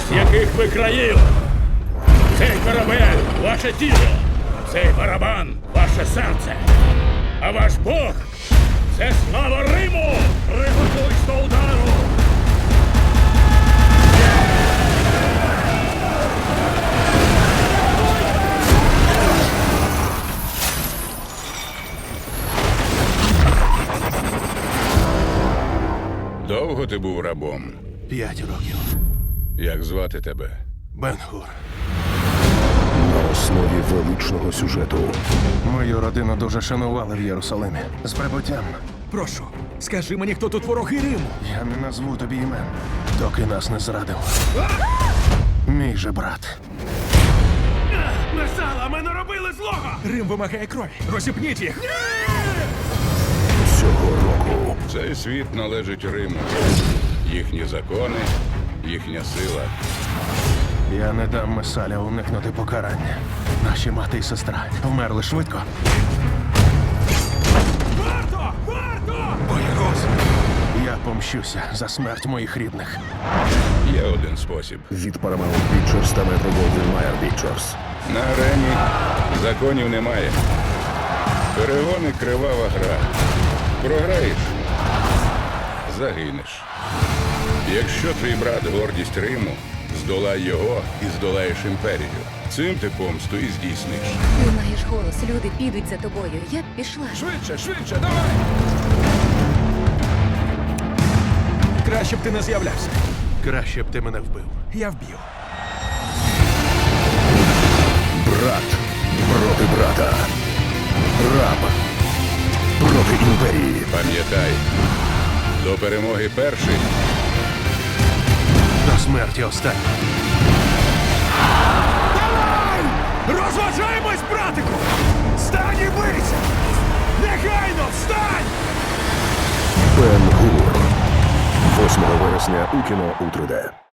з яких ви країв. Цей корабель – ваше тіло, цей барабан – ваше серце. А ваш Бог – це слава Риму! Приготуйсь до удару! Довго ти був рабом? 5 років. Як звати тебе? Бен-Гур. На основі величного сюжету. Мою родину дуже шанували в Єрусалимі. З прибуттям. Прошу, скажи мені, хто тут вороги Риму? Я не назву тобі імен, доки нас не зрадив. Мій же брат. Месала, ми не робили злого! Рим вимагає крові. Розіпніть їх. Цього року Цей світ належить Риму. Їхні закони, їхня сила. Я не дам Месаля уникнути покарання. Наші мати і сестра вмерли швидко. Варто! Варто! Боягуз! Я помщуся за смерть моїх рідних. Є один спосіб. від Paramount Pictures та Metro-Goldwyn-Mayer Pictures. На арені законів немає. Перегони – кривава гра. Програєш – загинеш. Якщо твій брат – гордість Риму, здолай його і здолаєш імперію. Цим ти помсту і здійсниш. Ти маєш голос, люди підуть за тобою. Я б пішла. Швидше, швидше, давай! Краще б ти не з'являвся. Краще б ти мене вбив. Я вб'ю. Брат проти брата. Раб проти імперії. Пам'ятай, до перемоги перший. До смерті останній. Розважаємось, братику! Встань і бийся! Негайно встань! Бен-Гур. 8 вересня у кіно у 3D.